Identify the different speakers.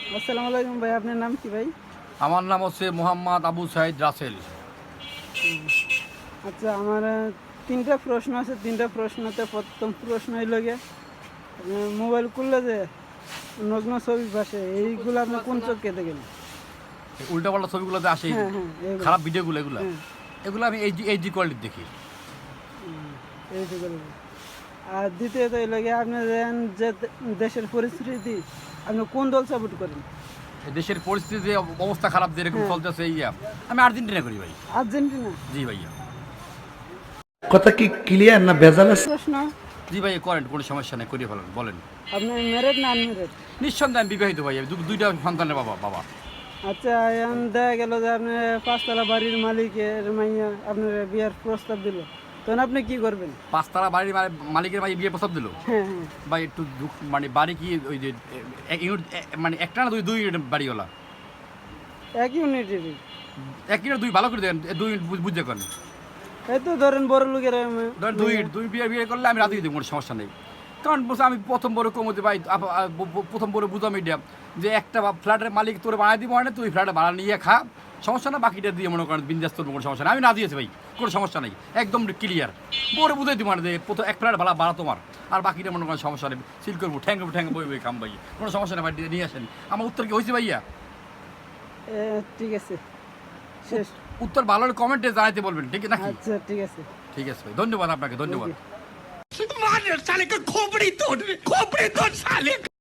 Speaker 1: আসসালামু আলাইকুম ভাই, আপনার নাম কি ভাই?
Speaker 2: আমার নাম হচ্ছে মোহাম্মদ আবু সাইদ রাসেল।
Speaker 1: আচ্ছা, আমার তিনটা প্রশ্ন আছে। তিনটা প্রশ্নতে প্রথম প্রশ্ন হইল গিয়ে, মোবাইল খুললে যে নগ্ন ছবি ভাসে, এইগুলো আপনি কোন চোখে দেখেন?
Speaker 2: উল্টা পাল্টা ছবিগুলোতে আসে,
Speaker 1: হ্যাঁ হ্যাঁ, এইগুলো।
Speaker 2: খারাপ ভিডিওগুলো এগুলো
Speaker 1: হ্যাঁ,
Speaker 2: এগুলো আমি এইচডি কোয়ালিটি দেখি।
Speaker 1: এইগুলো। আর দ্বিতীয়ত হইল গিয়ে, আপনি যে দেশের পরিস্থিতি, আপনি কোন দল সাপোর্ট করেন?
Speaker 2: এই দেশের পরিস্থিতি অবস্থা খারাপ যেরকম
Speaker 1: হ্যাঁ।
Speaker 2: চলতেছে আমি আর্জেন্টিনা করি ভাই।
Speaker 1: আর্জেন্টিনা?
Speaker 2: জি ভাইয়া।
Speaker 3: কথা কি ক্লিয়ার না ভেজাল আছে?
Speaker 1: প্রশ্ন,
Speaker 2: জি ভাই, করেন, কোনো সমস্যা নেই, করিয়ে ফেলেন, বলেন।
Speaker 1: আপনি ম্যারেড না আনম্যারেড?
Speaker 2: নিঃসন্দেহে আমি বিবাহিত ভাই, আমি দুইটা সন্তানের বাবা।
Speaker 1: আচ্ছা, এখন দেখা গেল যে আপনি পাঁচতলা বাড়ির মালিকের মাইয়া আপনার বিয়ার প্রস্তাব দিল, তখন আপনি কি করবেন?
Speaker 2: পাঁচতলা বাড়ির মালিকের ভাই বিয়ে প্রস্তাব দিল
Speaker 1: হ্যাঁ হ্যাঁ,
Speaker 2: ভাই, একটু মানে বাড়ি কি ওই যে এক ইউনিট, মানে একটা না দুই ইউনিট বাড়িওয়ালা?
Speaker 1: এক ইউনিটেরই।
Speaker 2: এক ইউনিট দুই, ভালো করে দেন, দুই ইউনিট বুঝতে করেন।
Speaker 1: এই তো ধরেন বড় লোকের
Speaker 2: ধরেন দুই ইউনিট, দুই বিয়ে করলে আমি রাতে দিই, কোনো সমস্যা নেই। কারণ বলছে আমি প্রথম বড় কমতে ভাই, প্রথম বড় বুঝাম এটা যে একটা ফ্ল্যাটের মালিক তোর বানাই দিব, মানে তুই ফ্ল্যাটে ভাড়া নিয়ে খা, সমস্যা না, বাকিটা দিয়ে মনে করেন বিন্দাস, তোর কোনো সমস্যা নেই, আমি না দিয়েছি ভাই, কোনো সমস্যা নেই, একদম ক্লিয়ার। বড় বুঝাই দিব মানে যে প্রথম এক ফ্ল্যাট ভাড়া তোমার, আর বাকিটা মনে করেন সমস্যা নেই, সিল করবো, ঠ্যাং বই কাম ভাই, কোনো সমস্যা নেই ভাই, নিয়ে আসেন। আমার উত্তর কি হয়েছে ভাইয়া?
Speaker 1: ঠিক আছে, শেষ।
Speaker 2: উত্তর ভালো হলে কমেন্টে জানাইতে বলবেন, ঠিক আছে নাকি?
Speaker 1: আচ্ছা, ঠিক আছে।
Speaker 2: ঠিক আছে ভাই, ধন্যবাদ আপনাকে, ধন্যবাদ।
Speaker 1: Thank you.
Speaker 4: मार साले का खोपड़ी तोड़ साले